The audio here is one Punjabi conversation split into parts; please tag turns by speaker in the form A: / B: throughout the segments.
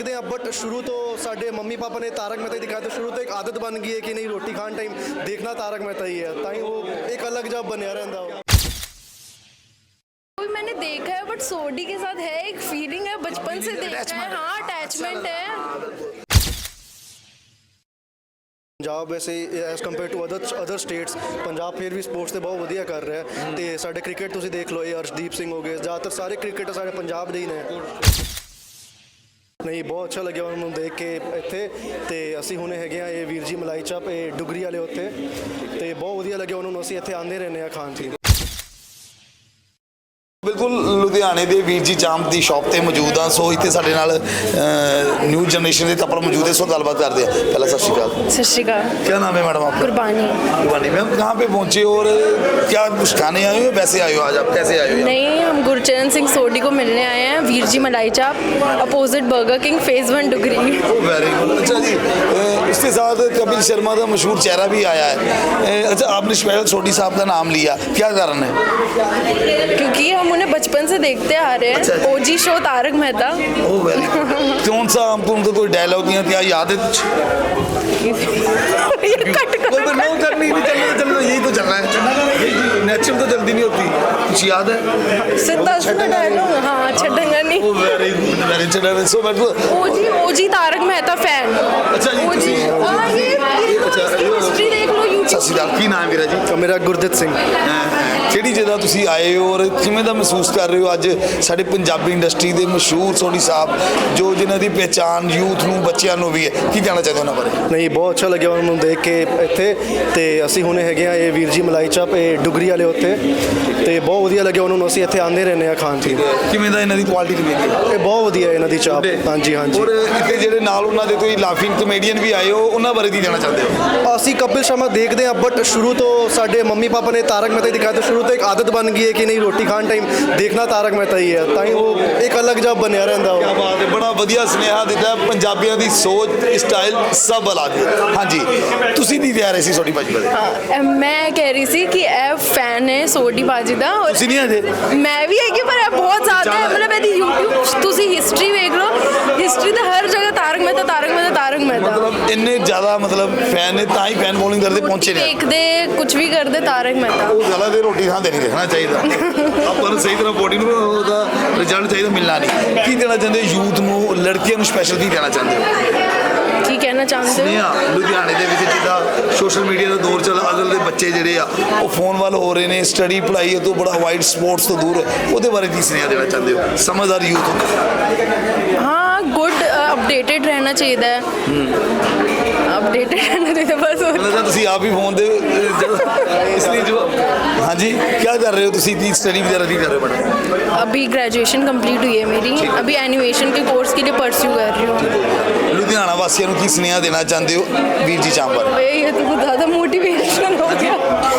A: बट शुरू तो साढ़े मम्मी पापा ने तारक मेहता ही दिखाया, तो शुरू तो एक आदत बन गई है कि नहीं रोटी खान टाइम देखना तारक मेहता ही है, ताई वो एक अलग जब बनया रहता हो।
B: मैंने देखा है बट सोडी के साथ है एक फीलिंग है, बचपन से देखा है। हाँ, अटैचमेंट है।
A: पंजाब वैसे as compare to other states Punjab फिर भी स्पोर्ट्स ਤੇ ਬਹੁਤ ਵਧੀਆ ਕਰ ਰਿਹਾ ਹੈ ਤੇ ਸਾਡੇ ਕ੍ਰਿਕਟ ਤੁਸੀਂ ਦੇਖ ਲਓ, ਇਹ ਅਰਸ਼ਦੀਪ ਸਿੰਘ ਹੋ ਗਏ, ਜ਼ਿਆਦਾਤਰ ਸਾਰੇ ਕ੍ਰਿਕਟਰ ਸਾਡੇ ਪੰਜਾਬ ਦੇ ਹੀ ਨੇ। ਨਹੀਂ ਬਹੁਤ ਅੱਛਾ ਲੱਗਿਆ ਉਹਨਾਂ ਨੂੰ ਦੇਖ ਕੇ ਇੱਥੇ, ਤੇ ਅਸੀਂ ਹੁਣੇ ਹੈਗੇ ਆ ਇਹ ਵੀਰ ਜੀ ਮਲਾਈ ਚਾਪ ਇਹ ਡੁਗਰੀ ਵਾਲੇ ਉੱਥੇ, ਤੇ ਬਹੁਤ ਵਧੀਆ ਲੱਗਿਆ ਉਹਨਾਂ ਨੂੰ, ਅਸੀਂ ਇੱਥੇ ਆਉਂਦੇ ਰਹਿੰਦੇ ਆ ਖਾਣ ਪੀਣ।
C: ਬਿਲਕੁਲ ਲੁਧਿਆਣੇ ਦੇ ਵੀਰ ਜੀ ਚਾਂਪ ਦੀ ਸ਼ਾਪ ਤੇ ਮੌਜੂਦ ਆ। ਸੋ ਇੱਥੇ ਸਾਡੇ ਨਾਲ ਨਿਊ ਜਨਰੇਸ਼ਨ ਦੇ ਤੱਪਰ ਮੌਜੂਦ है, सो गलबात करते हैं। पहला सत श्रीकाल।
B: सत श्रीकाल।
C: क्या नाम है मैडम आपका?
B: कुर्बानी।
C: कुर्बानी मैम, कहाँ पे पहुँचे और क्या कुछ खाने आए हो या वैसे आए हो? आज आप कैसे आए हो?
B: नहीं, हम गुरचरण सिंह सोडी को मिलने आए हैं। वीर जी मलाई चाप opposite Burger King phase 1 Dugri.
C: Very good. अच्छा जी, इसके साथ कपिल शर्मा का मशहूर चेहरा भी आया है। अच्छा, आपने स्पेशल सोडी साहब का नाम लिया, क्या कारण है?
B: क्योंकि हम उन्हें बचपन से देखते आ रहे हैं। ओजी शो तारक मेहता।
C: ओ वेरी गुड। कौन सा आपको उनका कोई डायलॉग या क्या याद है कुछ? चलना यही तो चलना है, नेचुरल तो जल्दी नहीं होती। कुछ याद है?
B: सीधा सीधा डायलॉग। हाँ, छड़ेंगा नहीं।
C: ओ very good, very good. So
B: ओजी तारक मेहता फैन।
C: अच्छा जी,
B: ओजी। हाँ, ये हिस्ट्री देख लो यूट्यूब।
C: सत श्री अकाल। की नाम है ਵੀਰਾ ਜੀ?
A: ਮੇਰਾ ਗੁਰਦਿੱਤ ਸਿੰਘ।
C: ਕਿਹੜੀ ਜਗ੍ਹਾ ਤੁਸੀਂ ਆਏ ਹੋ ਔਰ ਕਿਵੇਂ ਦਾ ਮਹਿਸੂਸ ਕਰ ਰਹੇ ਹੋ ਅੱਜ ਸਾਡੇ ਪੰਜਾਬੀ ਇੰਡਸਟਰੀ ਦੇ ਮਸ਼ਹੂਰ ਸੋਢੀ ਸਾਹਿਬ ਜੋ ਜਿਨ੍ਹਾਂ ਦੀ ਪਹਿਚਾਣ ਯੂਥ ਨੂੰ ਬੱਚਿਆਂ ਨੂੰ ਵੀ ਹੈ, ਕੀ ਕਹਿਣਾ ਚਾਹੁੰਦੇ ਉਹਨਾਂ ਬਾਰੇ?
A: ਨਹੀਂ ਬਹੁਤ ਅੱਛਾ ਲੱਗਿਆ ਉਹਨਾਂ ਨੂੰ ਦੇਖ ਕੇ ਇੱਥੇ, ਤੇ ਅਸੀਂ ਹੁਣੇ ਹੈਗੇ ਆ ਇਹ ਵੀਰ ਜੀ ਮਲਾਈ ਚਾਪ ਇਹ ਡੁਗਰੀ ਵਾਲੇ ਉੱਥੇ, ਤੇ ਬਹੁਤ ਵਧੀਆ ਲੱਗਿਆ ਉਹਨਾਂ ਨੂੰ, ਅਸੀਂ ਇੱਥੇ ਆਉਂਦੇ ਰਹਿੰਦੇ ਆ ਖਾਣ ਪੀਣ।
C: ਕਿਵੇਂ ਦਾ ਇਹਨਾਂ ਦੀ ਕੁਆਲਿਟੀ ਕਿਵੇਂ ਦੀ?
A: ਇਹ ਬਹੁਤ ਵਧੀਆ ਇਹਨਾਂ ਦੀ ਚਾਪ। ਹਾਂਜੀ ਹਾਂਜੀ।
C: ਔਰ ਇੱਥੇ ਜਿਹੜੇ ਨਾਲ ਉਹਨਾਂ ਦੇ ਕੋਈ ਲਾਫਿੰਗ ਕਮੇਡੀਅਨ ਵੀ ਆਏ ਹੋ, ਉਹਨਾਂ ਬਾਰੇ ਕੀ ਕਹਿਣਾ ਚਾਹੁੰਦੇ ਹੋ?
A: ਅਸੀਂ ਕਪਿਲ ਸ਼ਰਮਾ ਦੇਖਦੇ ਹਾਂ, ਬਟ ਸ਼ੁਰੂ ਤੋਂ ਸਾਡੇ ਮੰਮੀ ਪਾਪਾ ਨੇ ਤਾਰਕ ਮੇहता ਹੀ ਦਿਖਾਇਆ, ਤਾਂ ਸ਼ੁਰੂ ਤੋਂ ਇੱਕ ਆਦਤ ਬਣ ਗਈ ਹੈ ਕਿ ਨਹੀਂ ਰੋਟੀ ਖਾਣ ਟਾਈਮ ਦੇਖਣਾ ਤਾਰਕ ਮੇहता ਹੀ ਹੈ, ਤਾਂ ਉਹ ਇੱਕ ਅਲਗ ਜਬ ਬਣਿਆ ਰਹਿੰਦਾ।
C: ਕੀ ਬਾਤ ਹੈ, ਬੜਾ ਵਧੀਆ ਸੁਨੇਹਾ ਦਿੱਤਾ ਪੰਜਾਬੀਆਂ ਦੀ ਸੋਚ ਸਟਾਈਲ ਸਭ ਅਲੱਗ ਹੈ। ਹਾਂਜੀ, ਤੁਸੀਂ ਨਹੀਂ ਕਹਿ ਰਹੇ ਸੀ ਸੋਢੀ ਭਾਜੀ ਬਾਰੇ?
B: मैं कह रही थी कि ए फैन है सोडी बाजी दा, और
C: ਤੁਸੀਂ ਨਹੀਂ ਅਜੇ?
B: मैं भी है कि पर ए बहुत ज्यादा है, मतलब यदि YouTube ਤੁਸੀਂ हिस्ट्री देख लो, हिस्ट्री ਤੇ हर जगह तारक मेहता तारक मेहता तारक मेहता।
C: ਮਤਲਬ ਇੰਨੇ ਜ਼ਿਆਦਾ ਮਤਲਬ ਫੈਨ ਨੇ ਤਾਂ ਹੀ ਫੈਨ ਬੋਲਿੰਗ ਕਰਦੇ ਪਹੁੰਚੇ ਨੇ।
B: ਦੇਖਦੇ ਕੁਝ ਵੀ ਕਰਦੇ ਤਾਰਕ ਮੇहता।
C: ਉਹ ਜ਼ਿਆਦਾ ਦੇ ਰੋਟੀ ਖਾਂਦੇ ਨਹੀਂ ਦੇਖਣਾ ਚਾਹੀਦਾ, ਆਪਾਂ ਨੂੰ ਸਹੀ ਤਰ੍ਹਾਂ ਬੋਡੀ ਨੂੰ ਉਹਦਾ ਰਿਜ਼ਲਟ ਚਾਹੀਦਾ, ਮਿਲਣਾ ਨਹੀਂ। ਕੀ ਦੇਣਾ ਚਾਹੁੰਦੇ ਯੂਥ ਨੂੰ, ਲੜਕੀਆਂ ਨੂੰ ਸਪੈਸ਼ਲ ਕੀ ਕਹਿਣਾ ਚਾਹੁੰਦੇ ਹੋ?
B: ਕੀ ਕਹਿਣਾ ਚਾਹੁੰਦੇ
C: ਨਹੀਂ
B: ਹੋ?
C: ਆ ਲੁਧਿਆਣੇ ਦੇ ਵਿੱਚ ਜਿੱਦਾਂ ਸੋਸ਼ਲ ਮੀਡੀਆ ਦਾ ਦੌਰ ਚੱਲ, ਅਗਲ ਦੇ ਬੱਚੇ ਜਿਹੜੇ ਆ ਉਹ ਫੋਨ ਵੱਲ ਹੋ ਰਹੇ ਨੇ, ਸਟੱਡੀ ਪੜ੍ਹਾਈ ਤੋਂ ਬੜਾ ਅਵਾਇਡ, ਸਪੋਰਟਸ ਤੋਂ ਦੂਰ, ਉਹਦੇ ਬਾਰੇ ਕੀ ਸੁਨੇਹਾ ਦੇਣਾ ਚਾਹੁੰਦੇ ਹੋ ਸਮਝਦਾਰ ਯੂਥ ਨੂੰ?
B: हाँ, गुड अपडेटेड रहना चाहिए है। अपडेटेड रहना चाहिए बस।
C: मतलब ਤੁਸੀਂ ਆਪ ਹੀ ਫੋਨ ਦੇ ਇਸ ਲਈ ਜੋ ਹਾਂਜੀ ਕੀ ਕਰ ਰਹੇ ਹੋ ਤੁਸੀਂ? ਕੀ ਸਟੱਡੀ ਵਗੈरह ਕੀ ਕਰ ਰਹੇ ਹੋ ਮੈਡਮ?
B: अभी ग्रेजुएशन कंप्लीट हुई है मेरी, अभी एनिमेशन के कोर्स के लिए परस्यू कर रही हूँ।
C: ਲੁਧਿਆਣਾ ਵਾਸੀਆਂ ਨੂੰ ਕੀ ਸੁਨੇਹਾ ਦੇਣਾ ਚਾਹੁੰਦੇ ਹੋ ਵੀਰ ਜੀ ਚਾਂਪ ਬਾਰੇ?
B: ये तो ज़्यादा मोटिवेशन हो गया।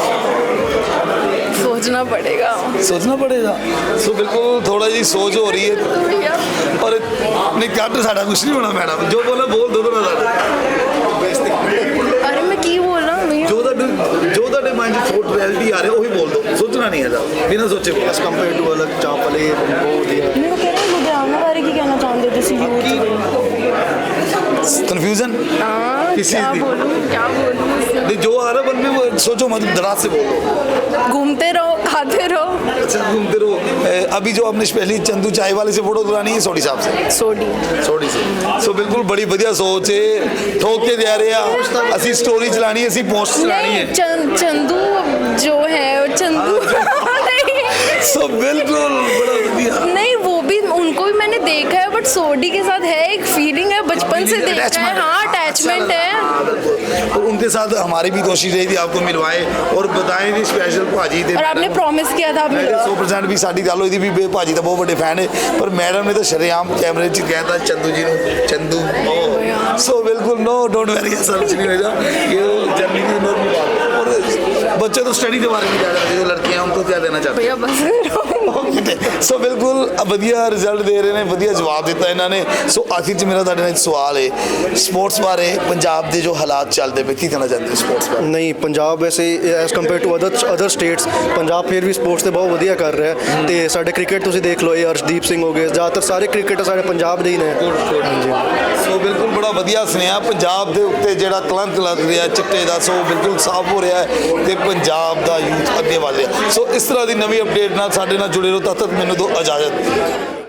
B: सोचना पड़ेगा।
C: सोचना पड़ेगा। सो बिल्कुल थोड़ा जी सोच हो रही है और नहीं कट साढ़ा कुछ नहीं होना मैडम, जो बोला बोल दो ना साढ़ा।
B: अरे मैं की बोल रहा हूँ भैया?
C: जो ਤੁਹਾਡੇ ਮਾਈਂਡ 'ਚ ਥੋਟ ਰਿਐਲਿਟੀ ਆ ਰਿਹਾ ਉਹੀ ਬੋਲ ਦੋ, ਸੋਚਣਾ ਨਹੀਂ ਹੈਗਾ, ਬਿਨਾਂ ਸੋਚੇ
A: ਐਸ ਕੰਪੇਅਰ ਟੂ ਅਲਗ ਚਾਪ ਵਾਲੇ ਬਹੁਤ ਵਧੀਆ।
B: मैं कह रहा हूँ लुधियाना बारे की कहना चाहते हो तुसी यूथ?
C: कन्फ्यूजन
B: हाँ,
C: किस
B: क्या
C: चीज़ की?
B: बोलूँ क्या बोलूँ?
C: नहीं जो आ रहा मन में वो सोचो मत, दराज से बोलो।
B: घूमते रहो, खाते रहो।
C: अच्छा घूमते रहो। अभी जो आपने स्पेशली चंदू चाय वाले से फोटो दिलानी है सोडी साहब से?
B: सोडी।
C: सोडी से। सो बिल्कुल बड़ी बढ़िया सोच है, ठोक के दे रहे हैं ਅਸੀਂ स्टोरी चलानी है, ਅਸੀਂ पोस्ट चलानी है।
B: चंदू जो है चंदू नहीं।
C: सो बिल्कुल बड़ा बढ़िया।
B: नहीं, वो भी उनको भी मैंने देखा है, बट सोडी के साथ है एक फीलिंग है, बचपन से देखा है। हाँ, अटैचमेंट है।
C: और उनके साथ हमारी भी कोशिश रही थी आपको मिलवाए और बताएं भी स्पेशल भाजी थे,
B: और आपने प्रॉमिस किया था आप मिलवा।
C: 100% भी साड़ी गल हुई थी भी भाजी का बहुत बड़े फैन है, पर मैडम ने तो शरेआम कैमरे च कहता चंदू जी ने चंदू। सो बिल्कुल नो डोंट वेरी ऐसा कुछ नहीं होगा, ये जर्नी की नॉर्मल बात। और बच्चे तो स्टडी के बारे में क्या करते जो लड़कियां हैं उनको क्या देना चाहते
B: भैया बस
C: हैं सो बिल्कुल ਵਧੀਆ ਰਿਜ਼ਲਟ ਦੇ ਰਹੇ ਨੇ ਵਧੀਆ ਜਵਾਬ ਦਿੱਤਾ ਇਹਨਾਂ ਨੇ ਸੋ ਆਖਿਰ ਚ ਮੇਰਾ ਤੁਹਾਡੇ ਨਾਲ ਇੱਕ ਸਵਾਲ ਹੈ ਸਪੋਰਟਸ ਬਾਰੇ ਪੰਜਾਬ ਦੇ ਜੋ ਹਾਲਾਤ ਚੱਲਦੇ ਪਏ ਕੀ ਕਹਿਣਾ ਚਾਹੁੰਦੇ ਹੋ ਸਪੋਰਟਸ ਬਾਰੇ
A: ਨਹੀਂ ਪੰਜਾਬ ਵੈਸੇ as compare to other states Punjab ਫਿਰ ਵੀ ਸਪੋਰਟਸ ਤੇ ਬਹੁਤ ਵਧੀਆ ਕਰ ਰਿਹਾ ਹੈ ਤੇ ਸਾਡੇ ਕ੍ਰਿਕਟ ਤੁਸੀਂ ਦੇਖ ਲਓ ਇਹ ਅਰਸ਼ਦੀਪ ਸਿੰਘ ਹੋ ਗਏ ਜ਼ਿਆਦਾਤਰ ਸਾਰੇ ਕ੍ਰਿਕਟਰ ਸਾਡੇ ਪੰਜਾਬ ਦੇ ਹੀ ਨੇ ਹਾਂਜੀ
C: ਸੋ ਬਿਲਕੁਲ ਬੜਾ ਵਧੀਆ ਸੁਨੇਹਾ ਪੰਜਾਬ ਦੇ ਉੱਤੇ ਜਿਹੜਾ ਕਲੰਕ ਲੱਗ ਰਿਹਾ ਚਿੱਟੇ ਦਾ ਸੋ ਬਿਲਕੁਲ ਸਾਫ਼ ਹੋ ਰਿਹਾ ਹੈ ਤੇ ਪੰਜਾਬ ਦਾ ਯੂਥ ਅੱਗੇ ਵਧ ਰਿਹਾ ਸੋ ਇਸ ਤਰ੍ਹਾਂ ਦੀ ਨਵੀਂ ਅਪਡੇਟ ਨਾਲ ਸਾਡੇ ਨਾਲ ਜੁੜੇ ਰਹੋ ਤਦ ਤੱਕ ਮੈਨੂੰ ਦਿਓ ਇਜਾਜ਼ਤ